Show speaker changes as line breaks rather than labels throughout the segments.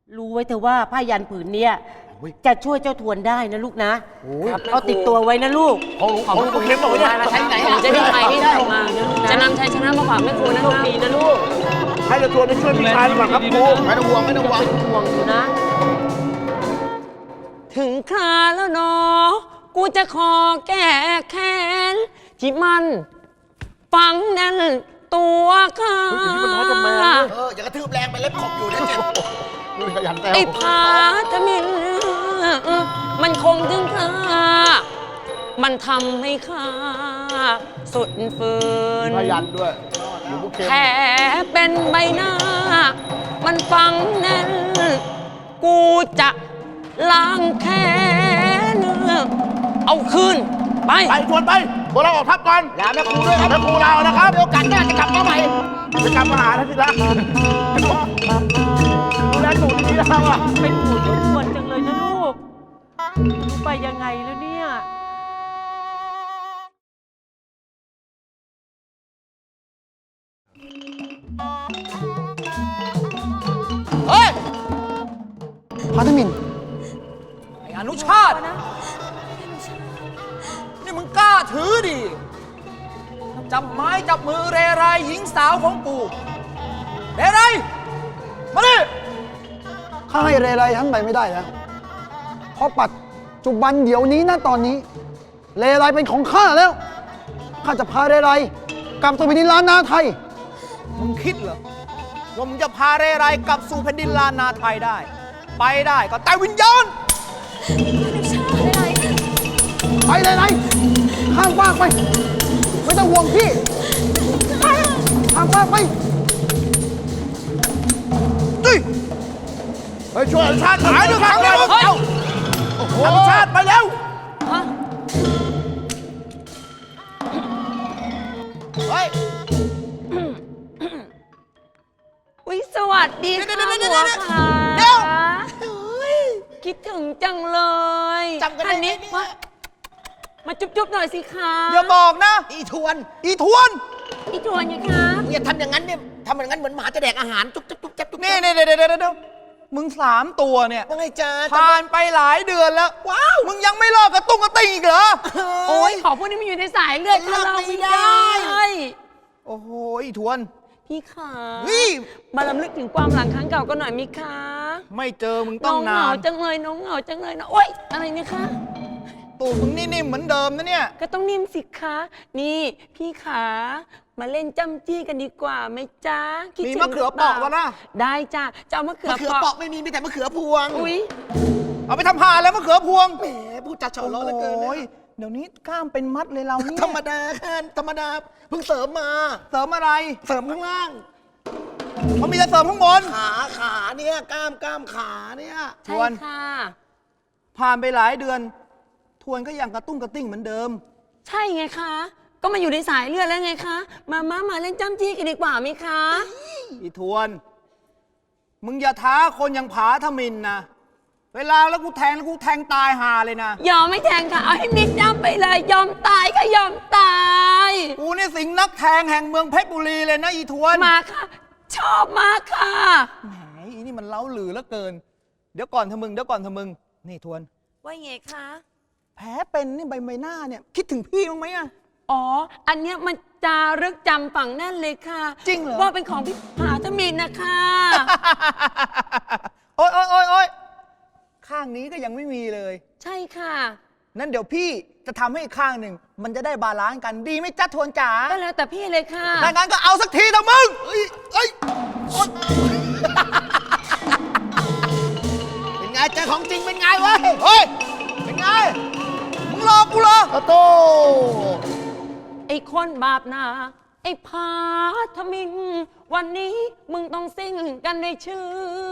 รู้ไว้เถอะว่าผ้ายันผืนเนี้ยจะช่วยเจ้าทวนได้นะลูกนะเอาติดตัวไว้นะลูก
ของลูกเข็มบอกว่ามาใช้ไหน
จะได้ไปให้ได้มาจะนำชัยชนะมาฝากแม่ครูนะคะ
ดีนะลูก
ให้เราตัวไปช่วยพี่ชายดีกว่าครับครูไม่ต้องห่วงไม่ต้องห่วง
ห่วงอยู่นะ
ถึงคราแล้วเนาะกูจะขอแก้แค้นที่มันฝังแน่นตัวข้า
อย่ากระทืบแรงไปเล็บขบอยู่นะเจ็บ
ไอ้พาทมินมันคงถึงข้ามันทำให้ข้าสุดฝืน
พยันด้วย
แผลเป็นใบหน้ามันฝังแน่นกูจะล้างแค้นเอาคืนไป
ชวนไปพวกเราออกทัพก่อน
ลาแม่ครูด้วยครับ
แม่ครูเรานะครับ
โอกาสหน้าจะกลับมาใหม่
จะกลับมาหาท่านสิละดูแลหนูดีๆนะว่ะ
เป็นห่วงเจ้าทวนจังเลยนะลูกรู้ไปยังไงแล้วเนี่ย
เฮ้ย
พาทมิน
ไอ้อนุชาตินี่มึงกล้าถือดิจับไม้จับมือเรไรหญิงสาวของกูเรไรมาดิ
ข้าให้เรไรทั้งใบไม่ได้แล้วเพราะปัจจุบันเดี๋ยวนี้นะตอนนี้เรไรเป็นของข้าแล้วข้าจะพาเรไรกลับสู่แผ่นดินล้านนาไทย
มึงคิดเหรอว่ามึงจะพาเรไรกลับสู่แผ่นดินล้านนาไทยได้ไปได้ก็แต่วิญญาณ
ไปเลยไรข้ามฟากไปไม่ต้องห่วงพี่ข้ามฟากไป
ไปช่วยอนุชาติหายด้วยครับเร็วอนุชาติไปเร็ว
เฮ้ยอุ๊ยสวัสดีค่ะหัวขา
เดี๋ยว
คิดถึงจังเลย
จำกันได้ไหม
มาจุ๊บๆหน่อยสิคะ
อย่าบอกนะ
อีทวน
อีทวนไงคะ
อย่าทำอย่างนั้นเนี่ยทำอย่างนั้นเหมือนหมาจะแดกอาหารจุ๊บจุ๊บจุ๊บจุ๊บ
นี่เดี๋ยวมึง3 ตัวเนี่ย
ว่าไงจ๊ะ
ผ่านไปหลายเดือนแล้วว้าวมึงยังไม่เลิกกระตุ้งกระติ่งอีกเหรอ
โอ้ยขอพวกนี้มันอยู่ในสายเลือดเราไม่ได้
โอ้โหอีทวน
พี่ขามาลำลึกถึงความหลังครั้งเก่ากันหน่อยมิคะ
ไม่เจอมึงต้องนาน
น้องเหงาจังเลยน้องเหงาจังเลยนะโอ๊ยอะไรเนี่ยคะ
ตูดมึงนิ่มๆเหมือนเดิมนะเนี่ย
ก็ต้องนิ่มสิคะนี่พี่ขามาเล่นจ้ำจี้กันดีกว่าไหมจ๊ะ
มีมะเขือเปอกวะนะ
ได้จ้ะจะเอามะเขือ
เปอกไม่มีแต่มะเขือพวง
อุ้ย
เอาไปทำผ่าแล้วมะเขือพวง
แหมพูดจัดเฉาล้อเหลือเกิน
เดี๋ยวนี้กล้ามเป็นมัดเลยเราเนี่ย
ธรรมดาค่ะธรรมดาเพิ่งเสริมมา
เสริมอะไร
เสริมข้างล่าง
เขามีแต่เสริมข้างบน
ขาเนี่ยกล้ามขาเนี่ย
ใช่ค่ะ
ผ่านไปหลายเดือนทวนก็ยังกระตุ้งกระติ้งเหมือนเดิม
ใช่ไงคะก็มาอยู่ในสายเลือดแล้วไงคะมาเล่นจ้ำจี้กันดีกว่าไหมคะ
อีทวนมึงอย่าท้าคนอย่างผาทมินนะเวลาแล้วกูแทงตายหาเลยนะ
ยอมไม่แทงค่ะเอาให้มิดจ้ำไปเลยยอมตายก็ยอมตาย
กูนี่สิงนักแทงแห่งเมืองเพชรบุรีเลยนะอีทวน
มาค่ะชอบมากค่ะ
แหมอีนี่มันเล้าหลือเหลือเกินเดี๋ยวก่อนเธอมึงนี่ทวน
ว่าไงคะ
แผลเป็นนี่ใบหน้าเนี่ยคิดถึงพี่มั้งไหมอะ
อ๋ออันเนี้ยมันจารึกจำฝังแน่นเลยค่ะ
จริงเหรอ
ว่าเป็นของพี่ผาทมินนะคะ
โอ๊ยข้างนี้ก็ยังไม่มีเลย
ใช่ค่ะ
นั้นเดี๋ยวพี่จะทำให้อีกข้างหนึ่งมันจะได้บาลานซ์กันดีไหมจ๊ะทวนจ๋า
ก็แล้วแต่พี่เลยค่ะ
ถ้างั้นก็เอาสักทีเถอะมึง
เป็นไงเจอของจริงเป็นไงวะ
เฮ้ยเป็นไงมึงรอกูเหรอ
โต
ไอ้คนบาปนาไอ้ผาทมินวันนี้มึงต้องซิ่งกันในชื่อ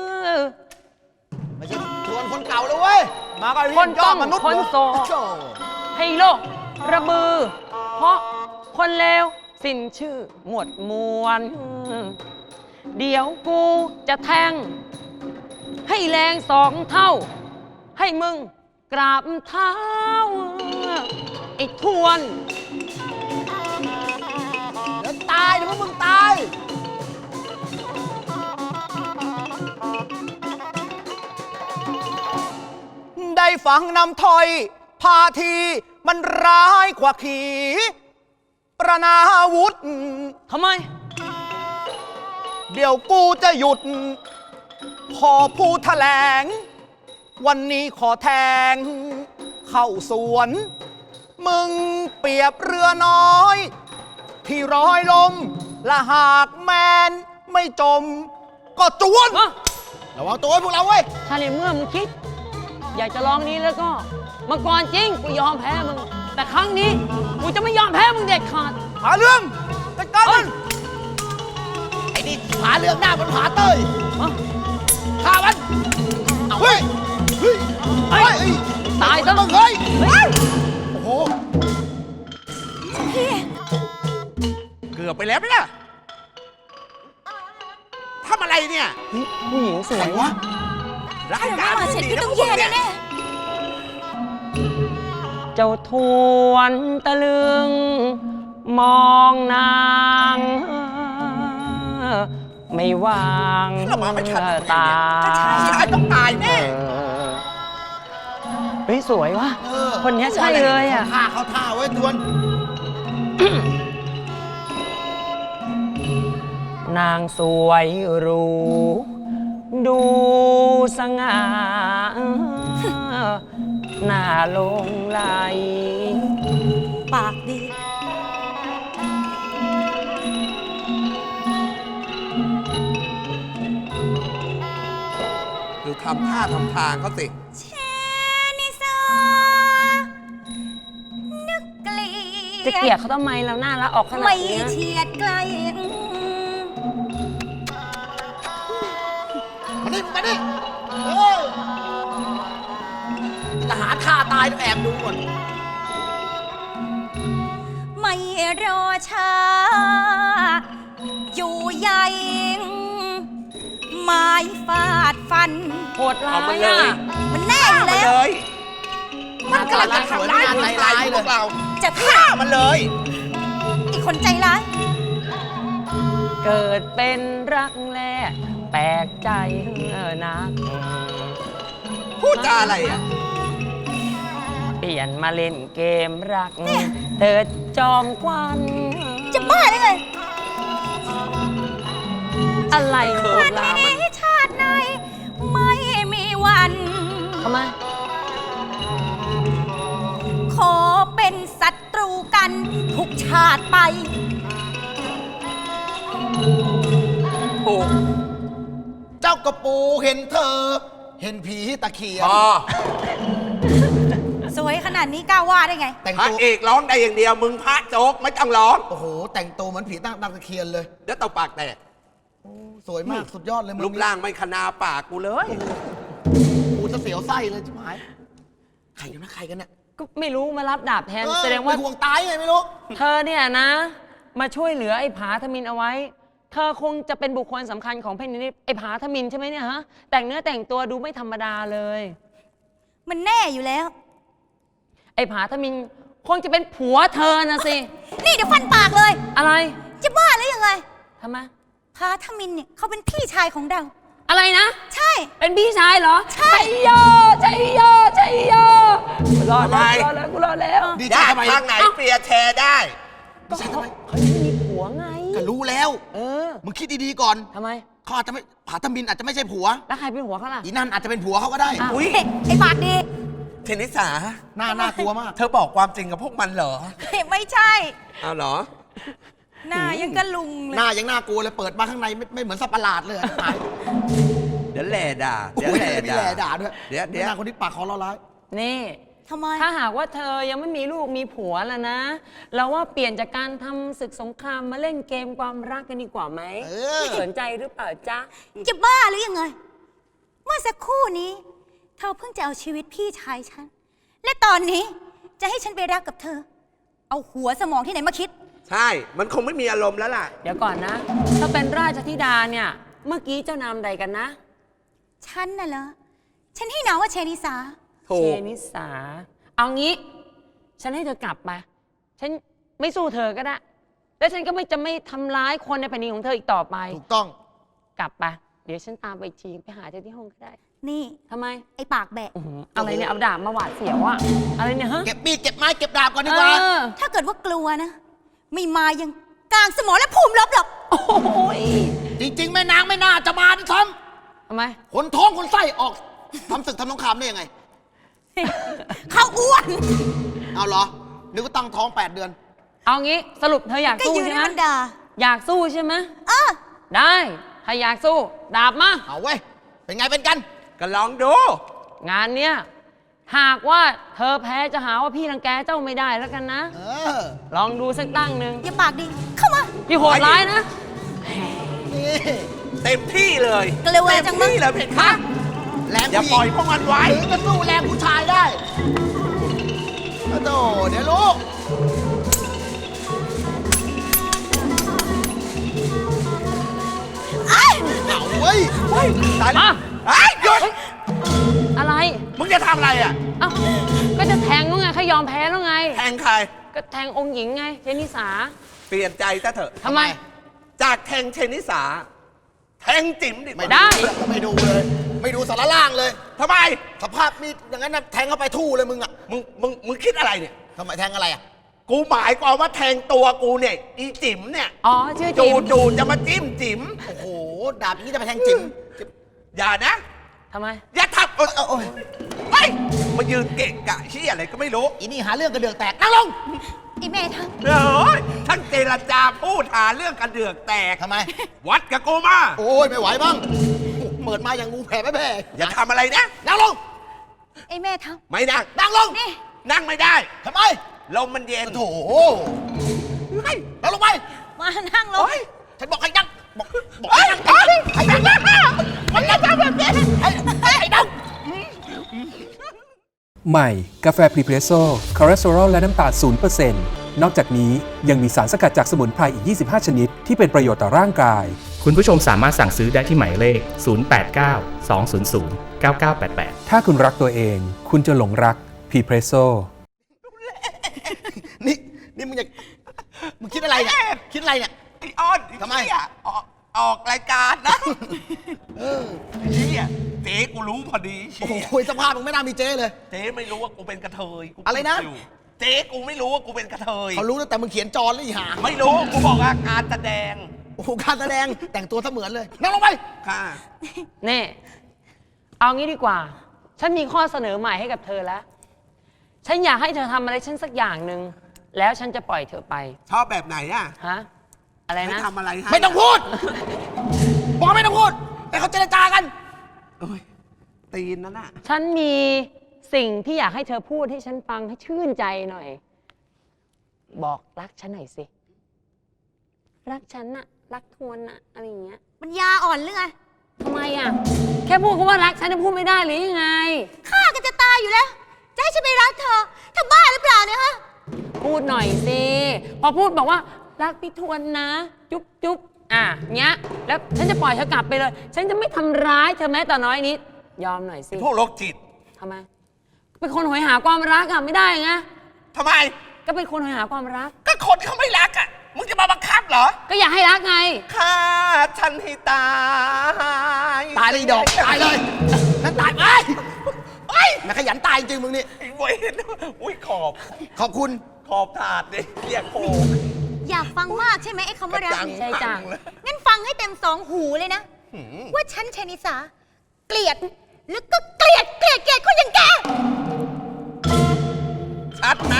ไม่ใช่ทวนคนเก่าเลยเว้ย
มากัน
คนต้องคนโสให้โลกระบือเพราะคนเลวสิ้นชื่อหมดมวลเดี๋ยวกูจะแทงให้แรง2 เท่าให้มึงกราบเท้าไอ้ทวน
เดี๋ยวตายเดี๋ยวพวกมึงตาย
ฟังนำถอยพาทีมันร้ายกว่าขีประนาวุธ
ทำไม
เดี๋ยวกูจะหยุด ขอพูดแถลง วันนี้ขอแทง เข้าสวน มึงเปรียบเรือน้อย ที่ร้อยลม และหากแมนไม่จม ก็จวน ระวังตัวไว้พวกเราเว้ย
ถ้าในเมื่อมึงคิด อยากจะลองนี้แล้วก็เมื่อก่อนจริงกูยอมแพ้มึง แต่ครั้งนี้กูจะไม่ยอมแพ้มึงเด็ดขาด
หาเรื่องจัดการมัน
ไอ้นี่ผาเรื่องหน้ามันผาเต้ย
ฮะ
ฆ่ามัน
เฮ้ย เฮ้ย
เฮ้ย ตายซะ
ต้องเฮ้ย
โอ้โห
เกือบไปแล้วไหมล่ะทำอะไรเนี่ย
ผู้หญิงสวยวะ
รายการ
เสร็จพี่ต้องแย่แน่
เจ้าทวนตะลึง มองนาง ไม่วาง
เรามาไม่ทัน
ตา
ใช่ต้องตายแน่
เฮ้ยสวยวะ คนเนี้ยใช่เลยอ่ะ
ฆ่าเขาท่าไว้ทวน
นางสวยหรูดูสง่าหน้าลงไหล
ปากดี
ดูทำท่าทำทางเขาสิ
เชนิสานึกเกลียด
จะเกลียดเขาทำไมเราน่ารักออกขนาด
ไม่
เนี้ย
เฉียดไกล
มาดิมาดิจะหาท่าตายต้องแอบดูก่อน
ไม่รอช้า อยู่ใหญ่ไม้ฟาดฟัน
โหดร้า
เอามาย เล
อ่ะ
ย
มันแน่อยู่
มา
แล้ว
เลย มันกำลังจะทำร้ายผู้ชายพวกเรา
จะฆ่า
ฆ่ามันเลย
อีกคนใจร้าย
เกิดเป็นรักแรกแปลกใจนัก
พูดจาอะไรอ่ะ
เปลี่ยนมาเล่นเกมรักเธอจอมควัน
จะบ้าได้ไง
อะไรโหด
ชาติ
ร้าย
นี้ชาติไหนไม่มีวัน
ทำไม
ขอเป็นศัตรูกันทุกชาติไป
โอ้
เจ้ากระปูเห็นเธอ เห็นผีตะเคียน
พอ
สวยขนาดนี้กล้าว่าได้ไง
แต่ง
พระ
ตัว
เอกร้องได้อย่างเดียว มึงพระโจ๊กไม่ต้องร้อง
โอ้โห แต่งตัวเหมือนผีตั้งตะเคียนเลย
เดี๋ยวตบปากแตก
สวยมากสุดยอดเลยมึง
รูปร่างไม่ขนาปากกูเลย
กูจะเสียวไส้เลยชิบหายใครกันนะใครกันเนี่ย
ก็ไม่รู้มารับดาบแทน
เออ
แสดงว่า
เป็นห่วงตายไงไม่รู้
เธอเนี่ยนะ มาช่วยเหลือไอ้ผาทมินเอาไว้ เธอคงจะเป็นบุคคลสำคัญของแผ่นดินนี้ไอ้ผาทมินใช่ไหมเนี่ยฮะ แต่งเนื้อแต่งตัวดูไม่ธรรมดาเลย
มันแน่อยู่แล้ว
ไอ้ผาทมินคงจะเป็นผัวเธอนะสิ
นี่เดี๋ยวฟันปากเลย
อะไร
จะบ้าหรือยังไง
ทำไม
พาทมินเนี่ยเขาเป็นพี่ชายของเรา
อะไรนะ
ใช่
เป็นพี่ชายเหรอ
ใช่
โยใจโยใจโยรอดแล้ว
ทำไม
รอดแล้วกูรอดแล้ว
ดีใจ
ได้
ทำไม
ทางไหนเปลี่ยนแชร์ได้
ก็เขายังมีผัวไง
ก็รู้แล้ว
เออ
มึงคิดดีๆก่อน
ทำไม
เขาอาจจะไม่ผาธมินอาจจะไม่ใช่ผัว
แล้วใครเป็นผัวเขาล่ะ
อีนั่นอาจจะเป็นผัวเขาก็ได้
อ้าว
อุ๊ย
ไอ้ปากดี
เทนนิสา
น่ากลัวมาก
เธอบอกความจริงกับพวกมันเหรอ
ไม่ใช่
เอาเหรอ
หน้ายังกระลุงเล
หน้าย ยังน่ากลัวเลยเปิดมาข้างในไม่เหมือนสัตว์ประหลาดเลยอะตาย
เดี๋ยวแหล่ด่า เดี๋ยว
โอ้ย
แหล่
มี
ด่า
แหล่ด่าด้วย
เดี๋ยวเดี๋ยว
หน้าคนที่ปากคอเราร้าย
นี่
ทำไม
ถ้าหากว่าเธอยังไม่มีลูกมีผัวแล้วนะ เราว่าเปลี่ยนจากการทำศึกสงครามมาเล่นเกมความรักกันดีกว่าไหม
เออ
สนใจหรือเปล่าจ๊ะ
จะบ้าหรือยังไง เมื่อสักครู่นี้ เธอเพิ่งจะเอาชีวิตพี่ชายฉัน และตอนนี้จะให้ฉันไปรักกับเธอ เอาหัวสมองที่ไหนมาคิด
ใช่ มันคงไม่มีอารมณ์แล้วล่ะ
เดี๋ยวก่อนนะ ถ้าเป็นราชธิดาเนี่ย เมื่อกี้เจ้านามใดกันนะ
ฉันน่ะเหรอ ฉันให้นามว่าเชนิสา
ถู
เช
ก
นิสา เอางี้ ฉันให้เธอกลับมาฉันไม่สู้เธอก็ได้ และฉันก็จะไม่ทำร้ายคนในแผ่นดินของเธออีกต่อไป
ถูกต้อง
กลับไปเดี๋ยวฉันตามไปอีกทีไปหาเธอที่ห้องก็ได้
นี่
ทำไม
ไอ้ปากแบะ
อะไรเนี่ยเอาดาบมาหวาดเสียวอะอะไรเนี่ยฮะ
เก็บมีดเก็บไม้เก็บดาบก่อนดีกว่า
ถ้าเกิดว่ากลัวนะ ไม่มายังกลางสมอและภูมิรบหรอก
โอ้ย
จริง ๆ แม่นางไม่น่าจะมาด้วยซ้
ทำไม
ำคนท้องคนไส้ออกทำศึกทำสงครามได้ยังไง
เขาอ้วน
เอาเหรอ นึกว่าตั้งท้อง 8 เดือน
เอางี้สรุปเธออยาก
ก็
สู้
ยืน
ใช่
ให้
ไหม
มันด่า
อยากสู้ใช่ไหม
เออ
ได้ถ้าอยากสู้ดาบมา
เอาเว้ย เป็นไงเป็นกัน
ก็ลองดู
งานเนี้ยหากว่าเธอแพ้จะหาว่าพี่รังแกเจ้าไม่ได้แล้วกันนะ
เออ
ลองดูสักตั้งหนึ่ง
อย่าปากดี เข้ามา
พี่โหดร้ายนะ
นี่
เต็มที่เลย
กลัวจังมั้ง
เต็มที่เลยเพคะ
แรง
อย่า
ผู้ห
ปล่อย
ญิง
พวกมันไว้
ถึงจะสู้แรงผู้ชายได้โอ้โหเดี๋ยวลูก เอาเว้ย
ตายแล้ว
อ่ะ
ไอ้ยหยุด
อะไร
มึงจะทำอะไรอ่ะ
เอ้าก็จะแทงแล้วไงเขายอมแพ้แล้วไง
แทงใคร
ก็แทงองค์หญิงไงเจนิสา
เปลี่ยนใจซะเถอะ
ทำไม
จากแทงเชนิสา แทงจิ๋มดิ
ไม่
ได้
ไม่ดูเลย ไม่ดูสารล่างเลย
ทำไม
สภาพมีดอย่างนั้นนะแทงเข้าไปทู่เลยมึงอ่ะ
มึงคิดอะไรเนี่ย
ทำไมแทงอะไรอ่ะ
กูหมายความว่าแทงตัวกูเนี่ย อีจิ๋มเนี่ย
อ๋อชื่อจิ
จู
ม
จูจะมาจิ้มจิ๋ม
โอ้โห ดาบอย่างนี้จะไปแทงจิ๋ม
อย่านะ
ทำไม
อย่าทำโอ้ยไปมายืนเกะกะชี้อะไรก็ไม่รู้
อีนี่หาเรื่องกระเดือกแตกนั่งลง
ไอ้แม่ทัง
เฮ้ยทั้งเจรจาพูดหาเรื่องกันเดือกแตก
ทำไม
วัดกับกูมา
โอ้ยไม่ไหวบ้างเปิดมาอย่างงูแผ่ไม่แผ่
อย่าทำอะไรนะ
นั่งลง
ไอ้แม่ทัง
ไม่นั่ง
นั่งลง
นี่
นั่งไม่ได้
ทำไม
ลมมันเย็น
โถ
เฮ้ย
นั่งลงไป
มานั่งลง
ฉันบอกให้นั่งบอกให้นั่งให้นั่งมันจะทำแบบนี้ให้นั่ง
ใหม่กาแฟพรีเพรสโซ่คอเลสเตอรอลและน้ำตาล 0% นอกจากนี้ยังมีสารสกัดจากสมุนไพรอีก 25 ชนิด ที่เป็นประโยชน์ต่อร่างกาย
คุณผู้ชมสามารถสั่งซื้อได้ที่หมายเลข 089 200 9988
ถ้าคุณรักตัวเอง คุณจะหลงรักพรีเพรสโซ่
นี่มึงคิดอะไรเนี่ย คิดอะไรเนี่ย
ไอ้อ้อน
ทำไม
เหี้ยออกรายการนะไอ้เหี้ยเจ๊กูรู้พอดีเชี่
โอ้
ย
โหสภาพมึงไม่น่ามีเจ้เลย
เจ๊ไม่รู้ว่ากูเป็นกระเทยกู
อะไรนะ
พูดยู่เจ๊กูไม่รู้ว่ากูเป็นกระเทย
เขารู้ตั้งแต่มึงเขียนจอแล้วอีหา
ไม่รู้กูบอกว่าการแสดง
โอ้โหการแสดงแต่งตัวเสมือนเลย นั่งลงไป
ค่ะ
นี่ เอางี้ดีกว่า ฉันมีข้อเสนอใหม่ให้กับเธอแล้ว ฉันอยากให้เธอทำอะไรฉันสักอย่างหนึ่ง แล้วฉันจะปล่อยเธอไป
ชอบแบบไหนอ่ะ
ฮะ อะไร
ให้
นะ
ทำอะไรให้
ไม่ต้องพูด บอกไม่ต้องพูดให้เขาเจรจากัน
โอ้ยตีนนั่นน่ะ
ฉันมีสิ่งที่อยากให้เธอพูดให้ฉันฟังให้ชื่นใจหน่อย บอกรักฉันหน่อยสิ รักฉันน่ะ รักทวนน่ะ อะไรอย่างเงี้ย
มันยาอ่อนหรือไง
ทำไมอ่ะ แค่พูดคำว่ารักฉันจะพูดไม่ได้หรือยังไง
ฆ่ากันจะตายอยู่แล้ว จะให้ฉันไปรักเธอเธอบ้าหรือเปล่าเนี่ยฮะ
พูดหน่อยสิ พอพูดบอกว่ารักพี่ทวนนะ จุ๊บจุ๊บเงี้ย แล้วฉันจะปล่อยเธอกลับไปเลย ฉันจะไม่ทำร้ายเธอแม้แต่น้อยนิด ยอมหน่อยสิ
พวกโรคจิต
ทำไม เป็นคนหอยหาความรักอะไม่ได้ไง
ทำไม
ก็เป็นคนหอยหาความรัก
ก็คนเขาไม่รักอ่ะ มึงจะมาบังคับเหรอ
ก็อยากให้รักไง
ฆ่าฉันให้ตาย
ตายเลยอีดอก ตายเลย นั่นตายไปเฮ้ยแม่ขยันตายจริงมึงนี่
ไอ้เว้ยอุ้ยขอบ
ขอบคุณ
ขอบถาดดิเรียกโค
อยากฟังมากใช่ไหมไอ้คำว่ารัก
ใช่จ้ะ
เลย
งั้นฟังให้เต็มสองหูเลยนะ ว่าฉันชนิสา เกลียด แล้วก็เกลียดคนอย่างแก
ชัดนะ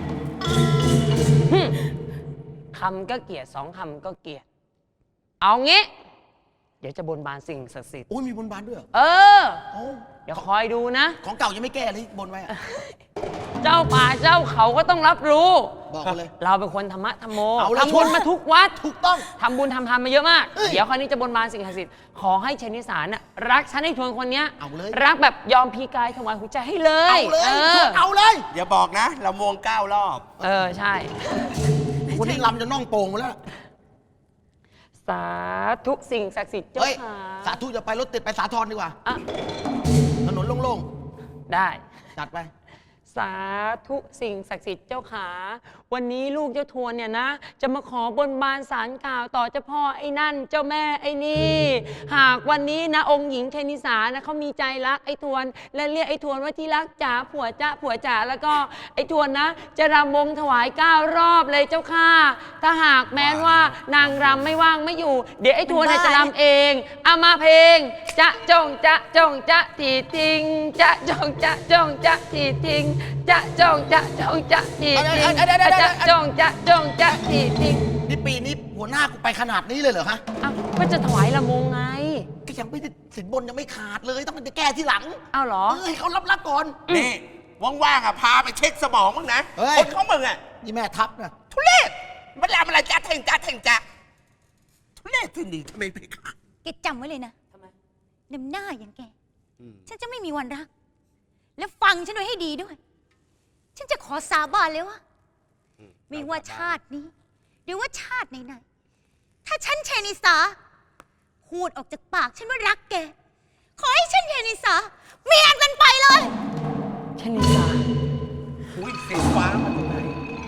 คำก็เกลียดสองคำก็เกลียด เอางี้ เดี๋ยวจะบนบานสิ่งศักดิ์สิทธิ์
โอ้ยมีบนบานด้วยเหรอ
เออ
โอ้
เดี๋ยวคอยดูนะ
ของเก่ายังไม่แก้เลยบนไว้อะ
เจ้าป่าเจ้าเขาก็ต้องรับรู้
บอกมาเลย
เราเป็นคนธรรมะธรรมโม
เอาเลย
ทำบุญมาทุกวัด
ถูกต้อง
ทำบุญทำทานมาเยอะมาก
เอ้ย
เดี๋ยวคราวนี้จะบนบานสิ่งศักดิ์สิทธิ์ ขอให้ชนิสารน่ะรักฉันให้ทวนคนเนี้ย
เอาเลย
รักแบบยอมพีกายถวายหัวใจให้เลย
เอาเลย เอาเลย
อย่าบอกนะ เรามวง9 รอบ
เออ ใช่
วันนี้ลำจะน่องโป่งหมดแล้ว
สาธุสิ่งศักดิ์สิทธิ์เจ้า
เฮ้ย
ค่ะ
สาธุจะไปรถติดไปสาทรดีกว่า
อ่ะ
ถนนโล่ง
ได้
ๆ จัดไป
สาธุสิ่งศักดิ์สิทธิ์เจ้าขาวันนี้ลูกเจ้าทวนเนี่ยนะจะมาขอบนบานศาลกล่าวต่อเจ้าพ่อไอ้นั่นเจ้าแม่ไอ้นี่หากวันนี้นะองค์หญิงเทนิสานะเขามีใจรักไอ้ทวนและเรียกไอ้ทวนว่าที่รักจ๋าผัวจ๋าผัวจ๋าแล้วก็ไอ้ทวนนะจะรำวงถวาย9 รอบเลยเจ้าค่ะถ้าหากแม้ว่านางรำไม่ว่างไม่อยู่เดี๋ยวไอ้ทวนจะรำเองเอามาเพลงจะจงจะจงจะทีทิ้งจะจงจะจงจะทีทิ้งจะจงจะจงจะทีทิ้งจะจงจะจงจะทีทิ้ง
นี่ปีนี้หัวหน้ากูไปขนาดนี้เลยเหรอฮะ
อ้าวก็จะถวายละมงไง
ก็ยังไม่ได้สินบนยังไม่ขาดเลยต้องไปแก้ที่หลัง
อ้าวเหรอ
ให้เขารับก่อน
นี่ว่างๆอ่ะพาไปเช็คสมองมั้งนะ
เฮ้ย
คนเขามึงอ่ะ
นี่แม่ทัพนะ
ทุเรศมันทำอะไรจ้าเท่งจ้าเท่งจ้าทุเรศที่นี่ทำไมไปขาด
แกจำไว้เลยนะน้ำหน้าอย่างแก ฉันจะไม่มีวันรัก และฟังฉันไว้ให้ดีด้วย ฉันจะขอสาบานเลยว่าไม่ว่าชาตินี้ หรือว่าชาติไหนๆถ้าฉันเชนิสาพูดออกจากปากฉันว่ารักแก ขอให้ฉันเชนิสาเมียกันไปเลย
ชนิสา
อุ้ยสีฟ้ามาจากไหน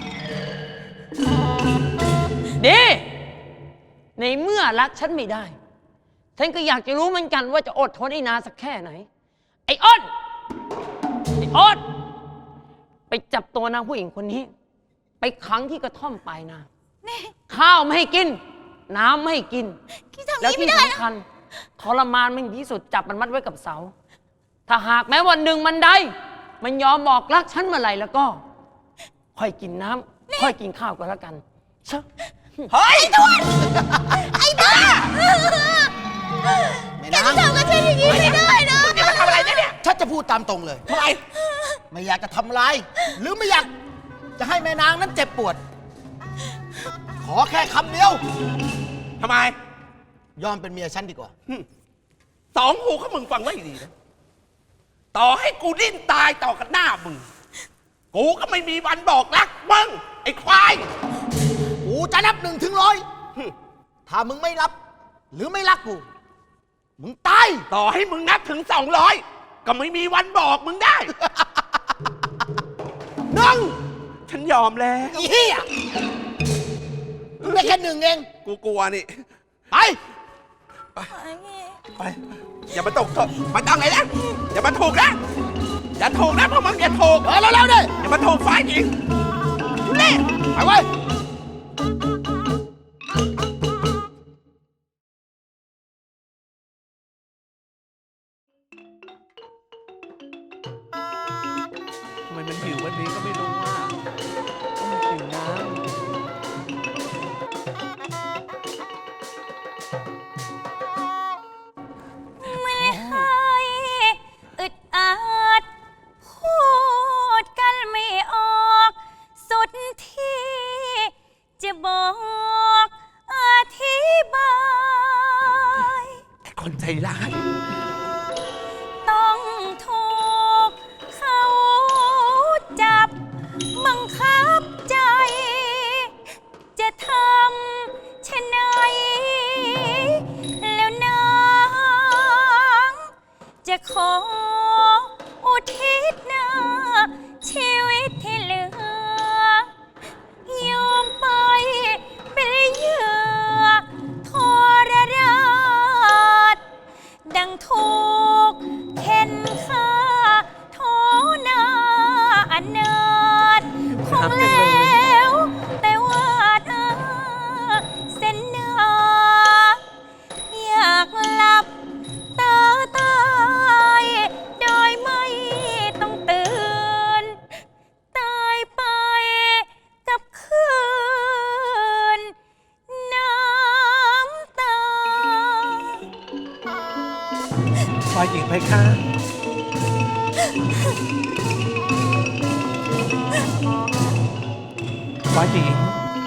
ดีในเมื่อรักฉันไม่ได้ฉันก็อยากจะรู้เหมือนกันว่าจะอดทนอีกนานสักแค่ไหนไอ้อ้นไปจับตัวนางผู้หญิงคนนี้ ไปขังที่กระท่อมปลายนาข้าวไม่ให้กิน น้ำไม่ให้กิน แล้วที่สำคัญทรมานมันที่สุดจับมันมัดไว้กับเสา ถ้าหากแม้วันหนึ่งมันได้มันยอมบอกรักฉันเมื่อไหร่แล้วก็ ค่อยกินน้ำค่อยกินข้าวก็แล้วกันเชอะ
เฮ้ย
ไอ้บ้าแกจะทำกับฉันอย่างนี้ไม่ได้นะ
มึงจะมาทำอะไรเนี่ย
ฉันจะพูดตามตรงเลย
ทำไม
ไม่อยากจะทำลายหรือไม่อยากจะให้แม่นางนั้นเจ็บปวด ขอแค่คำเดียว
ทำไม
ยอมเป็นเมียฉันดีกว่า
สองหูเขามึงฟังไว้ดีนะต่อให้กูดิ้นตายต่อกันหน้ามึงกูก็ไม่มีวันบอกรักมึงไอ้ควาย
กูจะนับ1 ถึง 100ถ้ามึงไม่รับ หรือไม่รักกู มึงตาย
ต่อให้มึงนับถึง200ก็ไม่มีวันบอกมึงได้ 1ฉันยอมแล้ว
อีเหี้ยมึงได้แค่1 เอง
กูกลัวนี่
ไป
ไปอย่ามาตกมาตั้งไหนนะอย่ามาถูกนะอย่าถูกนะพวกมึงอย่าถูก
เร็วๆดิ
อย่ามาถูกฝ่ายหญิงนี่
ไปเว้ย
ทำไมมันหิววันนี้ก็ไม่รู้ว่าต้องมากินน้ำ
ไม่ให้อึดอัดพูดกันไม่ออกสุดที่จะบอกอธิบาย
ไอ้คนใจร้าย
ต้องถูกเขาจับบังคับใจ จะทำเช่นไหนแล้วนางจะขออุทิศหน้าชีวิตที่เหลือยอมไปเป็นเหยื่อทรราชดังถูกเข็นฆ่าโทนาอนาถคงแล้วแต่วาดเส้นหน้าอยากหลับตาตายโดยไม่ต้องตื่น ตายไปกับคืนน้ำตา
ฝ่ายหญิงไปค่ะฝ่ายหญิง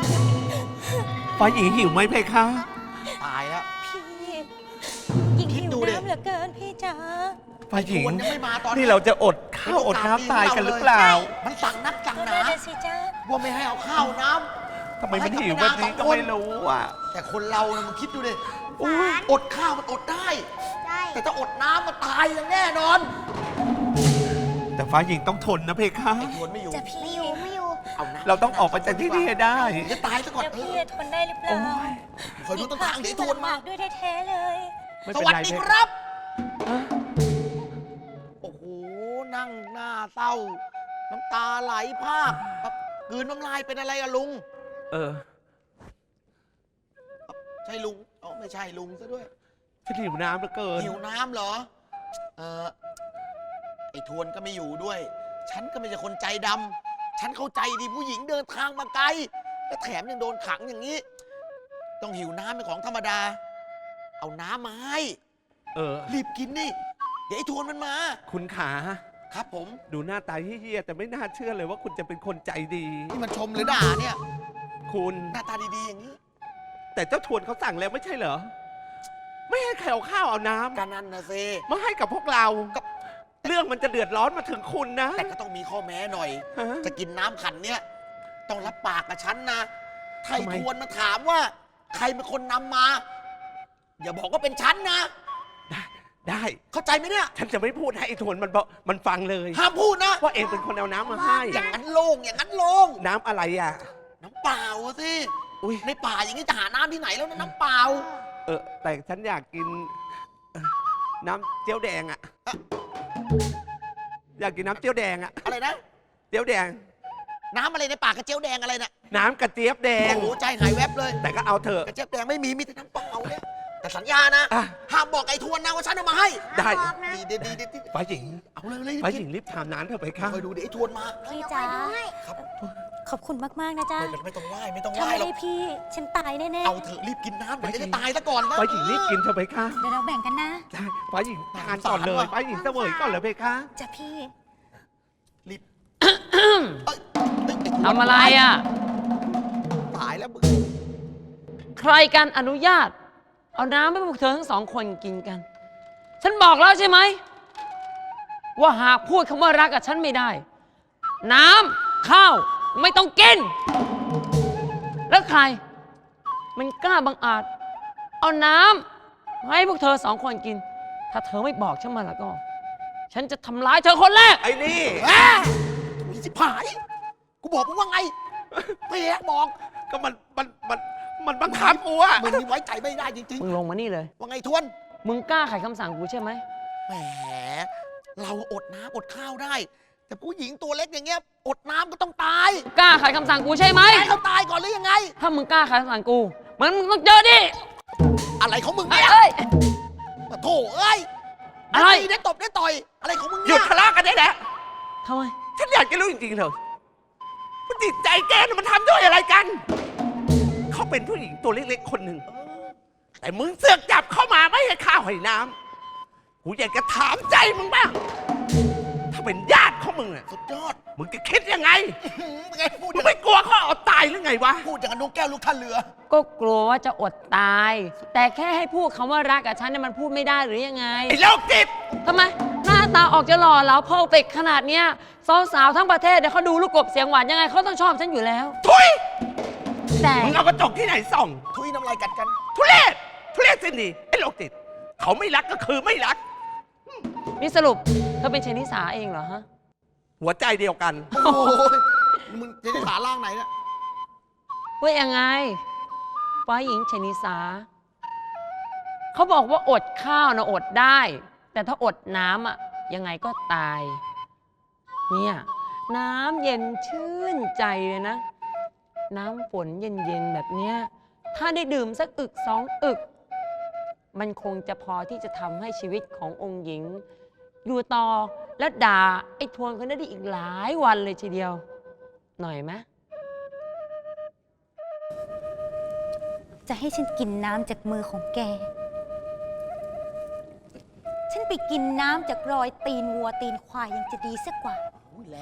หิวไหมเพคะ
ตายแล้ว
พี่ยิ่ง
คิด
หิว
ดูดิ
น้ำเหลือเกินพี่จ๋า
ฝ่ายหญิง
ชวนยังไม่มาตอน
นี่เราจะอดข้าวอดน้ำตายกันหรือเปล่า
มันสั่งนักสั่ง
ก็
ห
ได้
นา
สิจ้า
ว่าไม่ให้เอาข้าวน้ำ
ทำไมมันหิวแบบนี้ก็ไม่รู้อ่ะ
แต่คนเรานะมึงคิดดูดิ
อุ๊ย
อดข้าวมันอดได้
ได้
แต่ถ้าอดน้ำมันตายอย่างแน่นอน
พแต่ฟ้าหญิงต้องทนนะเพคะ
ไอ้ทวนไม่อยู่
จะพี่ไม่อยู่
เอานะ
เราต้องออกไปจากที่นี่ให้ได้
จะตายซะก่อน
เดี๋ยวพี่จะทนได้หรือเปล่า
คอยดูต้นทางเดี๋ยวไอ้ทวนมา
ด้วยแท้ๆเลย
ไม่
ส
เป็น
วัส
ไร
ดี
เพ
ค
คะ
รับ โอ้โห นั่งหน้าเศร้า น้ำตาไหลพรากแบบกลืนน้ำลายเป็นอะไรอะลุง
เออ
ใช่ลุงอ๋อไม่ใช่ลุงซะด้วย
ฉันหิวน้ำเหลือเกิน
หิวน้ำเหรอ ไอ้ทวนก็ไม่อยู่ด้วย ฉันก็ไม่ใช่คนใจดำ ฉันเข้าใจดีผู้หญิงเดินทางมาไกล และแถมยังโดนขังอย่างนี้ ต้องหิวน้ำเป็นของธรรมดา เอาน้ำมาให้
เออ
รีบกินนี่ เดี๋ยวไอ้ทวนมันมา
คุณขา
ครับผม
ดูหน้าตาเฮี้ยๆแต่ไม่น่าเชื่อเลยว่าคุณจะเป็นคนใจดี
นี่มันชมหรือด่าเนี่ย
คุณ
หน้าตาดีๆอย่างนี้
แต่เจ้าทวนเขาสั่งแล้วไม่ใช่เหรอ ไม่ให้ใครเอาข้าวเอาน้
ก็นั่นนะเซ
ำมาให้กับพวกเรา
ก็
เรื่องมันจะเดือดร้อนมาถึงคุณนะ
แต่ก็ต้องมีข้อแม้หน่อย
ฮะ
จะกินน้ำขันเนี่ย ต้องรับปากกับฉันนะไทย
ทำไม
ทวนมาถามว่า ใครเป็นคนนำมา อย่าบอกว่าเป็นฉันนะ
ได้
เข้าใจไหมเนี่ย
ฉันจะไม่พูดให้ไอ้ทวนมันฟังเลย
ห้ามพูดนะ
ว่าเองเป็นคนเอาน้ำมาให้
อย่างนั้นโล่งอย่างนั้นโล่ง
น้ำอะไรอ่ะ
น้ำเปล่าอะสิ
อุ้ย
ในป่าอย่างนี้จะหาน้ำที่ไหนแล้วนะน้ำเปล่า
แต่ฉันอยากกินน้ำเจียวแดงอ่ะ อยากกินน้ำเจียวแดงอ่ะ
อะไรนะ
เจียวแดง
น้ำอะไรในป่ากระเจียวแดงอะไรน่ะ
น้ำกระเจี๊ยบแดง
โอ้โหใจหายแวบเลย
แต่ก็เอาเถอะ
กระเจี๊ยบแดงไม่มีแต่น้ำเปล่าเนี่ยแต่สัญญานะ
อ่ะ
ห้ามบอกไอ้ทวนนะว่าฉันเอามาให้
ได้
ดี
ฝ่ายหญิง
เอาเลย
ฝ่ายหญิงรีบทำน้ำเถอะไปค่ะ
คอยดูเดี๋ยวไอ้ทวนมา
พี่จ๋า
ครับ
ขอบคุณมากๆนะจ๊ะ
ไม่ต้องไหว้ไม่ต้องไห
ถ้า
ว้
ไม่
หรอ
ได้
ก
พี่ ฉันตายแน่ๆ
เอาเถอะรีบกินน้ำเดี๋ยวจะตายซะก่อนนะ
ฝ่ายหญิงรีบกินเถอะไปค่ะ
เดี๋ยวเราแบ่งกันนะ
ใช่ฝ่ายหญิงทานก่อนเลยฝ่ายหญิงเสวยก่อนเลยไปค่ะ
จ้ะพี่
รีบเอ้ยไอ้ทวน
ทำอะไรอ่ะ
ตายแล้วมึง
ใครกันอนุญาต เอาน้ำให้พวกเธอทั้งสองคนกินกัน ฉันบอกแล้วใช่ไหม ว่าหากพูดคำว่ารักกับฉันไม่ได้ น้ำข้าวไม่ต้องกิน แล้วใคร มันกล้าบังอาจ เอาน้ำให้พวกเธอสองคนกิน ถ้าเธอไม่บอกฉันมาแล้วก็ ฉันจะทำร้ายเธอคนแรก
ไอ้นี่
มีสิผาย กูบอกมึงว่าไงไม่แยกบอก
ก็มันบังคับกูอะ
มึงนี่ไว้ใจไม่ได้จริง
มึงลงมานี่เลย
ๆ ว่าไงทวน
มึงกล้าขัดคำสั่งกูใช่ไหม
แหม เราอดน้ำอดข้าวได้ แต่ผู้หญิงตัวเล็กอย่างเงี้ย อดน้ำก็ต้องตาย
กล้าขัดคำสั่งกูใช่ไหม
ให้เขาตายก่อนหรือยังไง
ถ้ามึงกล้าขัดคำสั่งกูมึงต้องเจอดิ
อะไรของมึง
เอ้
เนี่ย
ย
ปะโถเอ้ย
อะไร
ด้ตีได้ตบได้ต่อย อะไรของมึง
หยุ
เนี่
ด
ย
ทะเลาะกันได้แล้ว
ทำไม
ฉันอยากจะรู้จริงๆเถอะว่าจิตใจแกน่ะมันทำด้วยอะไรกัน เขาเป็นผู้หญิงตัวเล็กๆคนหนึ่ง แต่มึงเสือกจับเข้ามาไม่ให้ข้าวให้น้ำกูอยากจะถามใจมึงบ้าง ถ้าเป็นญาติของมึงอะ
สุดยอด
มึงจะคิดยังไง
เป็นไงพูดอ
มึ
ย่าง ง
ไม่กลัวเขาเอาตายหรือไงวะ
พูดอย่างกับนกแก้วลูกท่าเรือ
ก็กลัวว่าจะอดตาย แต่แค่ให้พูดคำว่ารักกับฉันเนี่ยมันพูดไม่ได้หรือยังไง
ไอ้โรคจิต
ทำไม หน้าตาออกจะหล่อเหลาเพอร์เฟกขนาดเนี้ยสาวๆทั้งประเทศเดี๋ยวเขาดูลูกกบเสียงหวานยังไงเขาต้องชอบฉันอยู่แล้ว
ทุย
แต่
มึงเอากระจกที่ไหนส่อง
ทุยน้ำลายกัดกัน
ทุเรศสินี่ไอ้โรคจิต เขาไม่รักก็คือไม่รัก
นี่สรุปเธอเป็นเชนิสาเองเหรอฮะ
หัวใจเดียวกัน
โอ้โหมึงจะได้ขาล่างไหนเนี่ย
ว่ายังไงฝ่ายหญิงเชนิสา เขาบอกว่าอดข้าวนะอดได้ แต่ถ้าอดน้ำอะยังไงก็ตาย เนี่ย น้ำเย็นชื่นใจเลยนะ น้ำฝนเย็นๆแบบเนี้ย ถ้าได้ดื่มสักอึกสองอึก มันคงจะพอที่จะทำให้ชีวิตขององค์หญิง อยู่ต่อและด่าไอ้ทวนคนนั้นได้อีกหลายวันเลยทีเดียว หน่อยไหม
จะให้ฉันกินน้ำจากมือของแก ฉันไปกินน้ำจากรอยตีนวัวตีนควายยังจะดีสักกว่า
อุ้ยแรง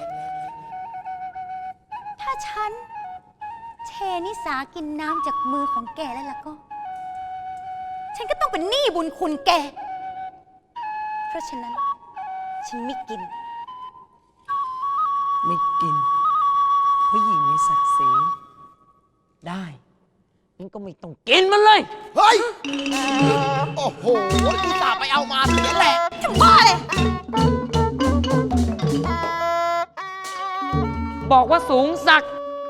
ถ้าฉันเชนิสากินน้ำจากมือของแกแล้วล่ะก็ ฉันก็ต้องเป็นหนี้บุญคุณแก เพราะฉะนั้น ฉันไม่กิน
ไม่กินผู้หญิงมีศักดิ์ศรีได้งั้นก็ไม่ต้องกินมันเลย
เฮ้ย โอ้โหกูจ่าห์ไปเอามาเสียแหละ
จะบ้าเลย
บอกว่าสูงสัก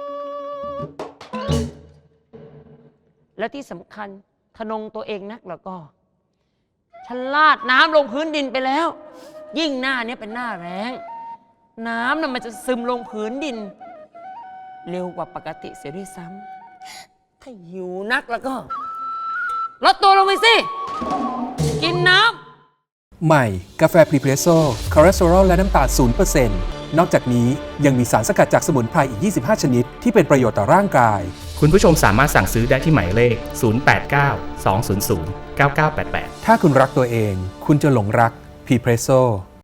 และที่สำคัญทะนงตัวเองนักแล้วก็ ฉันลาดน้ำลงพื้นดินไปแล้ว ยิ่งหน้าเนี้ยเป็นหน้าแล้ง น้ำน่ะมันจะซึมลงพื้นดิน เร็วกว่าปกติเสียด้วยซ้ำถ้าหิวนักแล้วก็ลดตัวลงไปสิ กินน้ำ
ใหม่ กาแฟพรีเพรสโซ่คอเลสเตอรอลและน้ำตาล 0% นอกจากนี้ยังมีสารสกัดจากสมุนไพรอีก 25 ชนิด ที่เป็นประโยชน์ต่อร่างกาย
คุณผู้ชมสามารถสั่งซื้อได้ที่หมายเลข 089 200 9988
ถ้าคุณรักตัวเอง คุณจะหลงรักพรีเพรสโซ่